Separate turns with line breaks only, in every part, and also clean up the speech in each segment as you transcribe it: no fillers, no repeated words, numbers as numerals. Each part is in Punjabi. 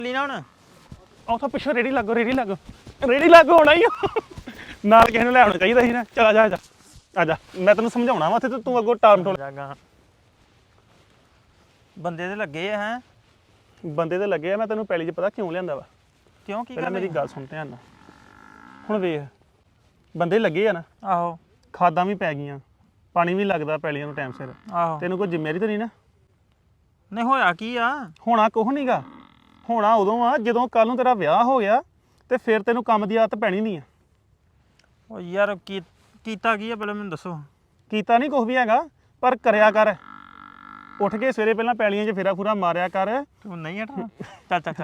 ਲੀ ਨਾ ਹੁਣ
ਉਥੋਂ ਪਿੱਛੋਂ ਰੇੜੀ ਲੱਗੋ ਹੋਣਾ ਹੀ ਨਾਲ ਕਿਸੇ ਨੂੰ ਲੈ ਆਉਣਾ ਚਾਹੀਦਾ ਸੀ ਨਾ। ਚਲ ਆ ਜਾ ਆ ਜਾ ਮੈਂ ਤੈਨੂੰ ਸਮਝਾਉਣਾ ਵਾ ਤੇ ਤੂੰ ਅੱਗੋਂ ਟਾਲ ਟੋਲ।
ਜਾਗਾ ਬੰਦੇ ਤੇ ਲੱਗੇ ਆ ਹੈ
ਬੰਦੇ ਤੇ ਲੱਗੇ ਆ। ਮੈਂ ਤੈਨੂੰ ਪਹਿਲੀ 'ਚ ਪਤਾ ਕਿਉਂ ਲਿਆਂਦਾ ਵਾ?
ਕਿਉਂ ਕੀ
ਪਹਿਲਾਂ
ਗੱਲ
ਮੇਰੀ ਗੱਲ ਸੁਣ ਧਿਆਨ ਨਾਲ। ਹੁਣ ਵੇਖ ਬੰਦੇ ਲੱਗੇ ਆ ਨਾ,
ਆਹੋ
ਖਾਦਾਂ ਵੀ ਪੈ ਗਈਆਂ, ਪਾਣੀ ਵੀ ਲੱਗਦਾ ਪੈਲੀਆਂ ਨੂੰ ਟਾਈਮ ਸਿਰ।
ਆਹੋ
ਤੈਨੂੰ ਕੋਈ ਜ਼ਿੰਮੇਵਾਰੀ ਤਾਂ ਨਹੀਂ ਨਾ?
ਨਹੀਂ ਹੋਇਆ ਕੀ ਆ?
ਹੋਣਾ ਕੁਛ ਨਹੀਂਗਾ। ਹੋਣਾ ਉਦੋਂ ਆ ਜਦੋਂ ਕੱਲ ਨੂੰ ਤੇਰਾ ਵਿਆਹ ਹੋ ਗਿਆ ਤੇ ਫਿਰ ਤੈਨੂੰ ਕੰਮ ਦੀ ਆਦਤ ਪੈਣੀ ਨਹੀਂ ਆ।
ਉਹ ਯਾਰ ਕੀਤਾ ਕੀ ਆ ਪਹਿਲਾਂ ਮੈਨੂੰ ਦੱਸੋ।
ਕੀਤਾ ਨਹੀਂ ਕੁਛ ਵੀ ਹੈਗਾ, ਪਰ ਕਰਿਆ ਕਰ। ਉੱਠ ਕੇ ਸਵੇਰੇ ਪਹਿਲਾਂ ਪੈਲੀਆਂ 'ਚ ਫੇਰਾ ਫੂਰਾ ਮਾਰਿਆ ਕਰ।
ਤੂੰ ਨਹੀਂ ਹਟਣਾ ਚੱਲ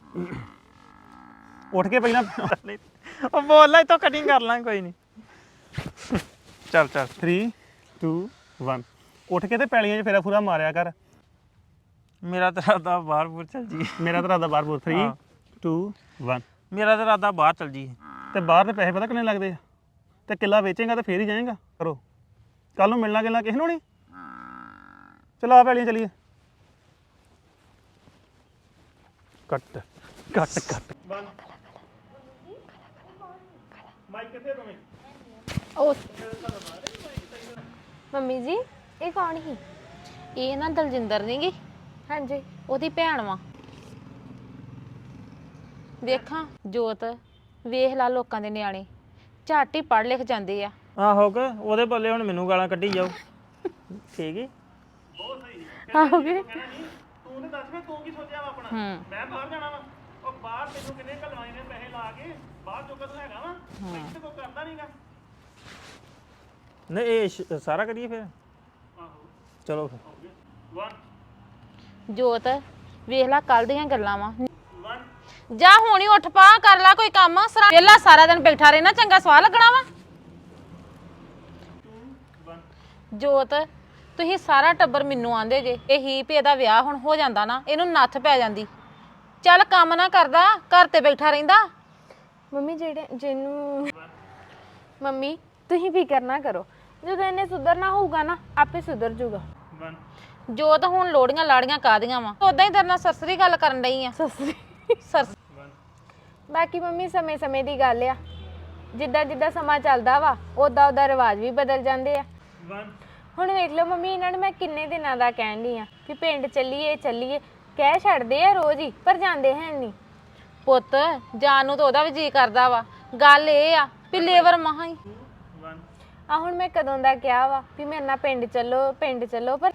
ਉੱਠ ਕੇ ਪਹਿਲਾਂ
ਉਹ ਬੋਲ ਲੈ ਤੋ ਕਟਿੰਗ ਕਰ ਲਾਂ ਕੋਈ ਨਹੀਂ। ਚੱਲ
3 2 1 ਉੱਠ ਕੇ ਤੇ ਪੈਲੀਆਂ 'ਚ ਫੇਰਾ ਫੂਰਾ ਮਾਰਿਆ ਕਰ।
ਮੇਰਾ ਤਾਂ ਇਰਾਦਾ ਬਾਹਰ ਬੂਰ ਚੱਲ ਜੀ।
ਮੇਰਾ ਤਾਂ ਰਾਦਾ ਬਾਹਰ ਬੋਲ 3 2 1
ਮੇਰਾ ਤਾਂ ਇਰਾਦਾ ਬਾਹਰ ਚੱਲ ਜੀ।
ਤੇ ਬਾਹਰ ਦੇ ਪੈਸੇ ਪਤਾ ਕਿੰਨੇ ਲੱਗਦੇ ਆ? ਤੇ ਕਿੱਲਾ ਵੇਚੇਗਾ ਤੇ ਫੇਰ ਹੀ ਜਾਏਗਾ। ਕਰੋ ਕੱਲ ਨੂੰ ਮਿਲਣਾ ਗਿਲਣਾ ਕਿਸੇ ਨੂੰ ਨਹੀਂ। ਚਲੋ ਆ ਪੈਲੀਆਂ ਚਲੀਏ। ਕੱਟ ਮਾਈਕ ਕਿੱਥੇ ਦੋਵੇਂ?
ਉਹ ਮੰਮੀ ਜੀ ਇਹ ਕੌਣ ਸੀ?
ਇਹ ਨਾ ਦਲਜਿੰਦਰ ਨੀ ਗੀ,
ਹਾਂਜੀ
ਉਹਦੀ ਭੈਣ ਵਾ। ਵੇਖਾਂ ਜੋਤ, ਵੇਖ ਲਾ ਲੋਕਾਂ ਦੇ ਨਿਆਣੇ ਝੱਟ ਹੀ ਪੜ੍ਹ ਲਿਖ ਜਾਂਦੇ ਆ।
ਆਹੋ ਕਿ ਉਹਦੇ ਬੱਲੇ ਹੁਣ ਮੈਨੂੰ ਗਾਲਾਂ ਕੱਢੀ ਜਾਓ। ਠੀਕ ਹੈ
ਆਓਗੇ।
ਤੂੰ ਤੇ ਦੱਸ ਮੈਂ ਤੂੰ ਕੀ ਸੋਚਿਆ ਵਾ ਆਪਣਾ? ਮੈਂ ਬਾਹਰ ਜਾਣਾ ਵਾ। ਉਹ ਬਾਹਰ ਤੈਨੂੰ ਕਿੰਨੇ ਘਲਵਾਏ ਨੇ ਪੈਸੇ ਲਾ ਕੇ? ਬਾਹਰ ਜੋਗਾ ਤੂੰ ਹੈਗਾ ਵਾ? ਇੱਥੇ ਕੋਈ ਕਰਦਾ ਨਹੀਂਗਾ।
ਨਹੀਂ ਇਹ ਸਾਰਾ ਕਰੀਏ ਫਿਰ।
ਆਹੋ
ਚਲੋ ਫਿਰ
1
ਜੋਤ ਵੇਖ ਲਾ ਕੱਲ ਦੀਆਂ ਗੱਲਾਂ ਵਾ।
1
ਜਾ ਹੁਣੀ ਉੱਠ ਪਾ ਕਰ ਲਾ ਕੋਈ ਕੰਮ। ਵੇਲਾ ਸਾਰਾ ਦਿਨ ਬੈਠਾ ਰਹਿਣਾ, ਚੰਗਾ ਸਵਾਹ ਲੱਗਣਾ ਵਾ।
2 1
ਜੋਤ ਤੁਸੀਂ ਸਾਰਾ ਟੱਬਰ ਮੈਨੂੰ ਆਂਦੇ ਜੇ ਇਹੀ ਵੀ ਇਹਦਾ ਵਿਆਹ ਹੁਣ ਹੋ ਜਾਂਦਾ ਨਾ, ਇਹਨੂੰ ਨੱਥ ਪੈ ਜਾਂਦੀ। ਚੱਲ ਕੰਮ ਨਾ ਕਰਦਾ, ਘਰ ਤੇ ਬੈਠਾ ਰਹਿੰਦਾ।
ਮੰਮੀ ਜਿਹਨੂੰ ਮੰਮੀ ਤੁਸੀਂ ਫਿਕਰ ਨਾ ਕਰੋ, ਜਦੋਂ ਇਹਨੇ ਸੁਧਰਨਾ ਹੋਊਗਾ ਨਾ ਆਪੇ ਸੁਧਰ ਜਾਊਗਾ।
1
ਜੋਤ ਹੁਣ ਲੋੜੀਆਂ ਲਾੜੀਆਂ ਕਾਦੀਆਂ ਵਾ, ਉਦਾਂ ਹੀ ਤੇਰੇ ਨਾਲ ਸਸਰੀ ਗੱਲ ਕਰਨ ਡਈ ਆ। ਸਰਸ
1
ਬਾਕੀ ਮੰਮੀ ਸਮੇਂ ਦੀ ਗੱਲ ਆ, ਜਿੱਦਾਂ ਸਮਾਂ ਚੱਲਦਾ ਵਾ ਉਦਾਂ ਰਿਵਾਜ ਵੀ ਬਦਲ ਜਾਂਦੇ ਆ।
1
ਹੁਣ ਵੇਖ ਲਓ ਮੰਮੀ, ਇਹਨਾਂ ਨੂੰ ਮੈਂ ਕਿੰਨੇ ਦਿਨਾਂ ਦਾ ਕਹਿਣ ਡਈ ਆ ਕਿ ਪਿੰਡ ਚੱਲੀਏ ਕਹਿ ਛੱਡਦੇ ਆ ਰੋਜ਼ ਹੀ, ਪਰ ਜਾਂਦੇ ਹੈ ਨਹੀਂ।
ਪੁੱਤ ਜਾਣ ਨੂੰ ਤਾਂ ਉਹਦਾ ਵੀ ਜੀ ਕਰਦਾ ਵਾ। ਗੱਲ ਇਹ ਆ ਵੀ ਲੇਬਰ ਮਹਾ ਹੀ
1
ਆ ਹੁਣ ਮੈਂ ਕਦੋਂ ਦਾ ਕਿਹਾ ਵਾ ਵੀ ਮੇਰੇ ਨਾਲ ਪਿੰਡ ਚੱਲੋ ਪਰ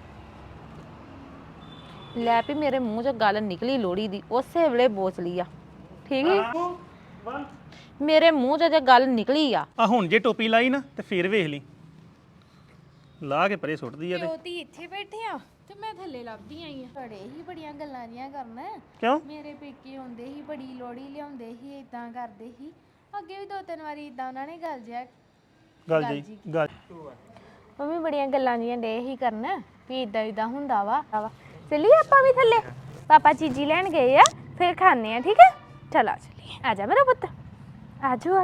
ਲੈ ਵੀ ਮੇਰੇ ਮੂੰਹ 'ਚ ਗੱਲ ਨਿਕਲੀ ਲੋੜੀ ਦੀ, ਉਸੇ ਵੇਲੇ ਬੋਚ ਲਈ ਆ। ਠੀਕ ਹੈ
1
ਮੇਰੇ ਮੂੰਹ 'ਚ ਜੇ ਗੱਲ ਨਿਕਲੀ ਆ।
ਆ ਹੁਣ ਜੇ ਟੋਪੀ ਲਾਈ ਨਾ ਤੇ ਫੇਰ ਵੇਖ ਲਈ, ਲਾ ਕੇ ਪਰੇ ਸੁੱਟਦੀ ਆ ਤੇ।
ਉਹਦੀ ਇੱਥੇ ਬੈਠੇ ਆ ਤੇ ਮੈਂ ਥੱਲੇ ਲੱਭਦੀ ਆਈ ਆ। ਬੜੇ ਹੀ ਬੜੀਆਂ ਗੱਲਾਂ ਦੀਆਂ ਕਰਨ।
ਕਿਉਂ?
ਮੇਰੇ ਪੇਕੇ ਆਉਂਦੇ ਸੀ, ਬੜੀ ਲੋੜੀ ਲਿਆਉਂਦੇ ਸੀ, ਇਦਾਂ ਕਰਦੇ ਸੀ। ਅੱਗੇ ਵੀ 2-3 ਵਾਰੀ ਇਦਾਂ ਉਹਨਾਂ ਨੇ ਗੱਲ
ਮੰਮੀ ਬੜੀਆਂ ਗੱਲਾਂ ਜੀਆਂ ਡੇ ਹੀ ਕਰਨ ਵੀ ਇਦਾਂ ਹੁੰਦਾ ਵਾ। ਚੱਲੀਏ ਆਪਾਂ ਵੀ ਥੱਲੇ, ਪਾਪਾ ਚੀਜ਼ੀ ਲੈਣ ਗਏ ਆ, ਫਿਰ ਖਾਣੇ ਆ। ਠੀਕ ਹੈ ਚਲ ਆ ਚੱਲੀਏ। ਆ ਜਾ ਮੇਰਾ ਪੁੱਤ, ਆਜੋ।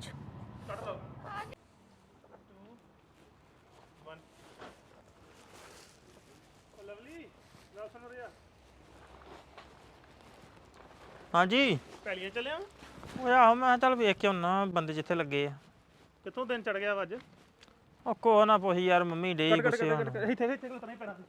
ਹਾਂਜੀ
ਪੈਲੀਆਂ ਚੱਲਿਆ?
ਉਹ ਆਹੋ ਮੈਂ ਕਿਹਾ ਚੱਲ ਵੇਖ ਕੇ ਆਉਣਾ ਬੰਦੇ ਜਿੱਥੇ ਲੱਗੇ ਆ।
ਕਿੱਥੋਂ ਦਿਨ ਚੜ ਗਿਆ ਵਾ ਅੱਜ?
ਉਹ ਕੋ ਨਾ ਪੁੱਛ ਯਾਰ, ਮੰਮੀ ਡੇ ਗੁੱਸੇ ਹੋਣ।
ਇੱਥੇ ਉਤਰਨਾ ਹੀ ਪੈਣਾ।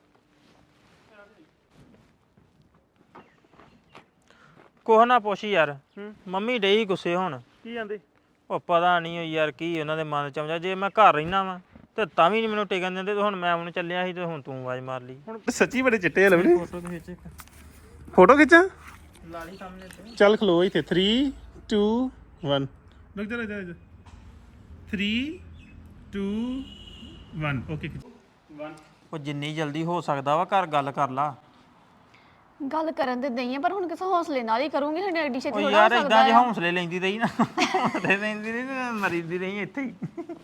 ਕੋਹ ਨਾ ਪੁੱਛ ਯਾਰ, ਮੰਮੀ ਡੇ ਗੁੱਸੇ ਹੋਣ।
ਕੀ ਜਾਂਦੇ?
ਉਹ ਪਤਾ ਨਹੀਂ ਯਾਰ ਕੀ ਉਹਨਾਂ ਦੇ ਮਨ ਚ ਆਉਂਦਾ। ਜੇ ਮੈਂ ਘਰ ਰਹਿਣਾ ਵਾ ਤੇ ਤਾਂ ਵੀ ਨਹੀਂ ਮੈਨੂੰ ਟਿਕਣ ਦਿੰਦੇ। ਤੇ ਹੁਣ ਮੈਂ ਉਹਨੂੰ ਚੱਲਿਆ ਸੀ ਤੇ ਹੁਣ ਤੂੰ ਆਵਾਜ਼ ਮਾਰ ਲਈ।
ਹੁਣ ਸੱਚੀ ਬੜੇ ਚਿੱਟੇ ਆ ਲਵਲੀ।
ਫੋਟੋ ਖਿੱਚ ਇੱਕ
ਫੋਟੋ ਖਿੱਚਾਂ?
ਲਾਲੀ ਸਾਹਮਣੇ ਤੇ।
ਚੱਲ ਖਲੋ ਇੱਥੇ 3 2 1 ਰੁਕ ਜਾ 3 2 1 ਓਕੇ 1
ਉਹ ਜਿੰਨੀ ਜਲਦੀ ਹੋ ਸਕਦਾ ਵਾ ਘਰ ਗੱਲ ਕਰ ਲਾ।
ਗੱਲ ਕਰਨ ਤੇ ਦਈ ਆ, ਪਰ ਹੁਣ ਕਿਸੇ ਹੌਸਲੇ ਨਾਲ ਹੀ ਕਰੂੰਗੀ। ਸਾਡੇ ਐਡੀ ਛੇਤੀ
ਉਹ
ਥੋੜਾ
ਯਾਰ
ਹੋ
ਇਦਾਂ
ਸਕਦਾ
ਜੇ
ਆ।
ਹੌਸਲੇ ਲੈਂਦੀ ਰਹੀ ਨਾ, ਹੌਸਲੇ ਲੈਂਦੀ ਰਹੀ ਤੇ ਮਰੀਦੀ ਰਹੀ ਇੱਥੇ ਹੀ।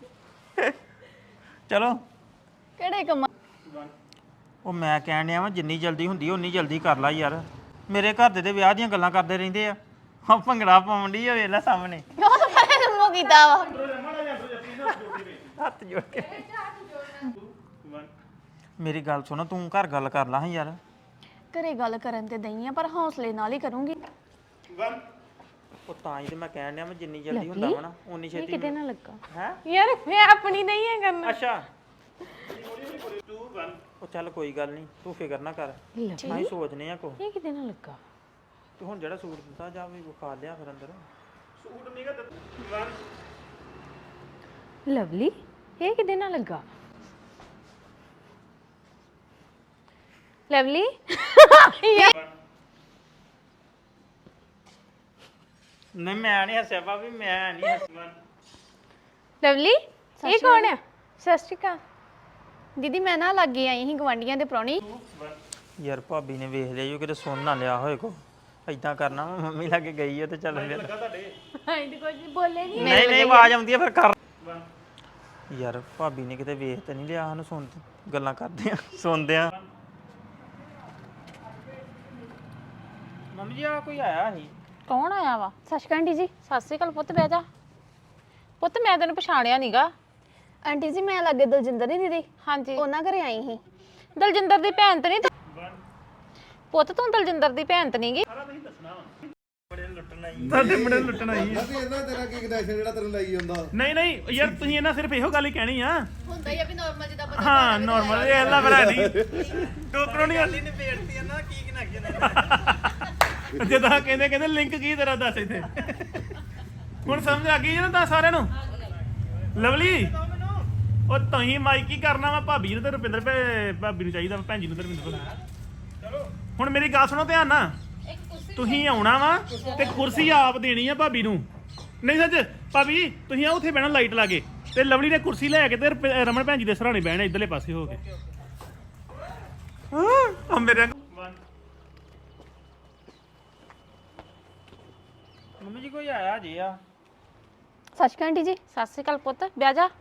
ਚਲੋ
ਕਿਹੜੇ ਕੰਮ?
ਉਹ ਮੈਂ ਕਹਿਣ ਡਿਆ ਵਾ ਜਿੰਨੀ ਜਲਦੀ ਹੁੰਦੀ ਓਨੀ ਜਲਦੀ ਕਰ ਲਾ ਯਾਰ। ਮੇਰੇ ਘਰ ਦੇ ਵਿਆਹ ਦੀਆਂ ਗੱਲਾਂ ਕਰਦੇ ਰਹਿੰਦੇ ਆ। ਆ ਭੰਗੜਾ ਪਾਉਣ ਡਈ ਆ, ਵੇਖ ਲੈ ਸਾਹਮਣੇ
ਮੂੰਹ ਕੀਤਾ ਵਾ।
ਹੱਥ ਜੋੜ ਕੇ। ਮੇਰੀ ਗੱਲ ਸੁਣ, ਤੂੰ ਘਰ ਗੱਲ ਕਰ ਲਾ ਹਾਂ ਯਾਰ।
ਘਰੇ ਗੱਲ ਕਰਨ ਤੇ ਦਈ ਆ ਪਰ ਹੌਸਲੇ ਨਾਲ ਹੀ ਕਰੂੰਗੀ।
ਉਹ ਤਾਂ ਹੀ ਤੇ ਮੈਂ ਕਹਿਣ ਡਿਆ ਮੈਂ ਜਿੰਨੀ ਜਲਦੀ ਹੁੰਦਾ ਵਾ ਨਾ ਉਨੀ
ਇਹ
ਛੇਤੀ
ਕਿਤੇ ਨਾ ਲੱਗਾ
ਹੈ
ਯਾਰ ਮੈਂ ਆਪਣੀ ਨਹੀਂ ਹੈ ਕਰਨਾ
ਅੱਛਾ ਉਹ ਚੱਲ ਕੋਈ ਗੱਲ ਨਹੀਂ ਤੂੰ ਫਿਕਰ ਨਾ ਕਰ ਅਸੀਂ ਸੋਚਨੇ ਆ ਕੋ
ਇਹ ਕਿਤੇ ਨਾ ਲੱਗਾ
ਤੂੰ ਹੁਣ ਜਿਹੜਾ ਸੂਟ ਦਿੱਤਾ ਜਾ ਵੀ ਵਿਖਾ ਲਿਆ ਫਿਰ ਅੰਦਰ
ਲਵਲੀ ਇਹ ਕਿਤੇ ਨਾ ਲੱਗਾ ਲਵਲੀ
ਨਹੀਂ ਮੈਂ ਨਹੀਂ ਹੱਸਿਆ ਭਾਬੀ ਮੈਂ ਨਹੀਂ ਹੱਸਣਾ
ਲਵਲੀ ਇਹ ਕੌਣ ਹੈ ਸਤਿ ਸ਼੍ਰੀ ਅਕਾਲ
ਦੀਦੀ ਮੈਂ ਨਾ ਲੱਗੇ ਆਈ ਸੀ ਗਵਾਂਡੀਆਂ ਦੇ ਪ੍ਰਾਹੁਣੀ।
ਯਾਰ ਭਾਬੀ ਨੇ ਵੇਖ ਲਿਆ ਜੋ ਕਿਤੇ ਸੁਣ ਨਾ ਲਿਆ ਹੋਏ ਕੋ ਏਦਾਂ ਕਰਨਾ ਵਾ, ਮੰਮੀ ਲਾਗੇ ਗਈ ਹੈ ਤੇ ਚੱਲ ਫਿਰ
ਹਾਂ ਕੁਝ ਬੋਲੇ ਨਹੀਂ
ਨਹੀਂ ਨਹੀਂ ਆਵਾਜ਼ ਆਉਂਦੀ ਹੈ ਫਿਰ ਕਰ ਯਾਰ ਭਾਬੀ ਨੇ ਕਿਤੇ ਵੇਖ ਤੇ ਨਹੀਂ ਲਿਆ ਸਾਨੂੰ ਸੁਣ ਗੱਲਾਂ ਕਰਦੇ ਆ ਸੁਣਦੇ ਆ ਮੰਮੀ ਜੀ ਆ ਕੋਈ ਆਇਆ ਸੀ
ਕੌਣ ਆਇਆ ਵਾ
ਸਤਿ ਸ਼੍ਰੀ ਅਕਾਲ ਆਂਟੀ ਜੀ।
ਸਤਿ ਸ਼੍ਰੀ ਅਕਾਲ ਪੁੱਤ ਬਹਿ ਜਾ ਪੁੱਤ ਮੈਂ ਤੈਨੂੰ ਪਛਾਣਿਆ ਨੀਗਾ
ਆਂਟੀ ਜੀ ਮੈਂ ਲੱਗੇ ਦਲਜਿੰਦਰ ਦੀ ਦੀਦੀ
ਹਾਂਜੀ
ਉਹਨਾਂ ਘਰੇ ਆਈ ਸੀ।
ਦਲਜਿੰਦਰ ਦੀ ਭੈਣ ਤੇ ਨਹੀਂ ਪੁੱਤ ਤੂੰ ਦਲਜਿੰਦਰ ਦੀ ਭੈਣ ਤੇ ਨਹੀਂਗੀ
ਸਾਡੇ ਮੁੰਡੇ ਨੂੰ ਲੁੱਟਣਾ ਹੀ
ਅਸੀਂ ਇਹਨਾਂ ਤੇਰਾ ਕੀ ਕਨੈਕਸ਼ਨ ਜਿਹੜਾ ਤੈਨੂੰ ਲਈ ਜਾਂਦਾ
ਨਹੀਂ ਨਹੀਂ ਯਾਰ ਤੁਸੀਂ ਇਹਨਾਂ ਸਿਰਫ ਇਹੋ ਗੱਲ ਹੀ ਕਹਿਣੀ ਆ
ਹੁੰਦਾ ਹੀ ਆ ਵੀ ਨਾਰਮਲ ਜਿੱਦਾਂ
ਹਾਂ ਨਾਰਮਲ ਇਹ ਅੱਲਾ ਬਰਾ ਨਹੀਂ ਟੋਕਰੋ ਨਹੀਂ
ਨੇ ਬੇੜਤੀ ਆ ਨਾ ਕੀ ਕਨੈਕਸ਼ਨ
ਜਦਾਂ ਕਹਿੰਦੇ ਲਿੰਕ ਕੀ ਤੇਰਾ ਦੱਸ ਇੱਥੇ ਹੁਣ ਸਮਝ ਆ ਗਈ ਨਾ ਤਾਂ ਸਾਰਿਆਂ ਨੂੰ ਲਵਲੀ ਉਹ ਤੁਸੀਂ ਮਾਈਕ ਕੀ ਕਰਨਾ ਵਾ ਭਾਬੀ ਨੂੰ ਤੇ ਰੁਪਿੰਦਰ ਭਾਬੀ ਨੂੰ ਚਾਹੀਦਾ ਵਾ, ਭੈਣ ਜੀ ਨੂੰ ਤੇ ਰੁਪਿੰਦਰ ਨੂੰ ਹੁਣ ਮੇਰੀ ਗੱਲ ਸੁਣੋ ਧਿਆਨ ਨਾਲ ਤੁਸੀਂ ਆਉਣਾ ਵਾ ਤੇ ਕੁਰਸੀ ਆਪ ਦੇਣੀ ਆ ਭਾਬੀ ਨੂੰ ਨਹੀਂ ਸੱਚ ਭਾਬੀ ਤੁਸੀਂ ਆ ਉੱਥੇ ਬਹਿਣਾ ਲਾਈਟ ਲਾ ਕੇ ਤੇ ਲਵਲੀ ਨੇ ਕੁਰਸੀ ਲੈ ਕੇ ਤੇ ਰਮਨ ਭੈਣ ਜੀ ਦੇ ਸਰਾਣੇ ਬਹਿਣਾ ਇਧਰਲੇ ਪਾਸੇ ਹੋ ਕੇ ਆ ਮੇਰੇ
ਮੰਮੀ ਜੀ ਕੋਈ ਆਇਆ ਜੀ ਆ
ਸਤਿ ਸ਼੍ਰੀ ਅਕਾਲ ਆਂਟੀ ਜੀ।
ਸਤਿ ਸ਼੍ਰੀ ਅਕਾਲ ਪੁੱਤ ਬਹਿ ਜਾ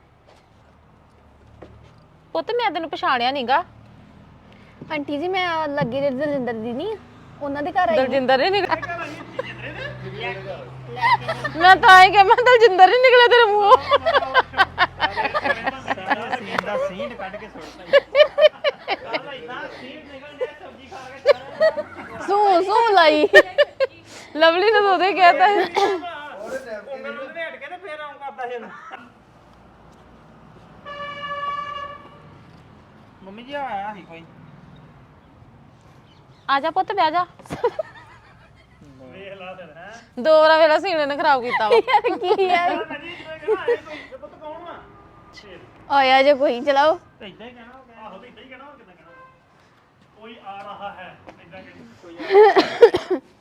ਪੁੱਤ ਮੈਂ ਤੈਨੂੰ ਪਛਾਣਿਆ ਨੀਗਾ
ਆਂਟੀ ਜੀ ਮੈਂ ਲੱਗੇ ਦੇ ਦਲਜਿੰਦਰ ਦੀ ਨਹੀਂ ਉਹਨਾਂ ਦੇ ਘਰ ਆਈ ਸੀ।
ਦਲਜਿੰਦਰ ਹੀ ਨਿਕਲਿਆ ਮੈਂ ਤਾਂ ਹੀ ਕਿ ਮੈਂ ਦਲਜਿੰਦਰ ਹੀ ਨਿਕਲਿਆ ਤੇਰੇ ਮੂੰਹੋਂ
ਸੀਨ ਦਾ ਸੀਨ ਕੱਢ ਕੇ ਸੁੱਟਦਾ
ਸੂ ਲਾਈ
ਲਵਲੀ ਨੇ ਤਾਂ ਉਹਦੇ ਕਹਿਤਾ
ਮੈਨੂੰ ਲਵੇਟ ਕੇ ਤੇ ਫੇਰ ਆਉਂ ਕਰਦਾ ਸੀ ਇਹਨੂੰ ਮੰਮੀ ਜੀ ਆਇਆ ਸੀ ਕੋਈ
ਆ ਜਾ ਪੁੱਤ ਬਹਿ ਜਾ
ਵੇਖ ਲਾ ਫਿਰ ਹੈ
ਦੋ ਵਾਰ ਵੇਲਾ ਸੀਨੇ ਨੇ ਖਰਾਬ ਕੀਤਾ ਵਾ
ਕੀ ਯਾਰ
ਪੁੱਤ ਕੌਣ ਵਾ
ਆਇਆ ਜੇ ਕੋਈ ਚਲਾਓ
ਤੇ ਇਦਾਂ ਹੀ ਕਹਿਣਾ
ਆਹੋ ਤੇ ਇਦਾਂ ਹੀ ਕਹਿਣਾ ਹੋਰ ਕਿੱਦਾਂ ਕਹਿਣਾ ਕੋਈ ਆ ਰਹਾ ਹੈ ਇਦਾਂ ਕਹਿਣਾ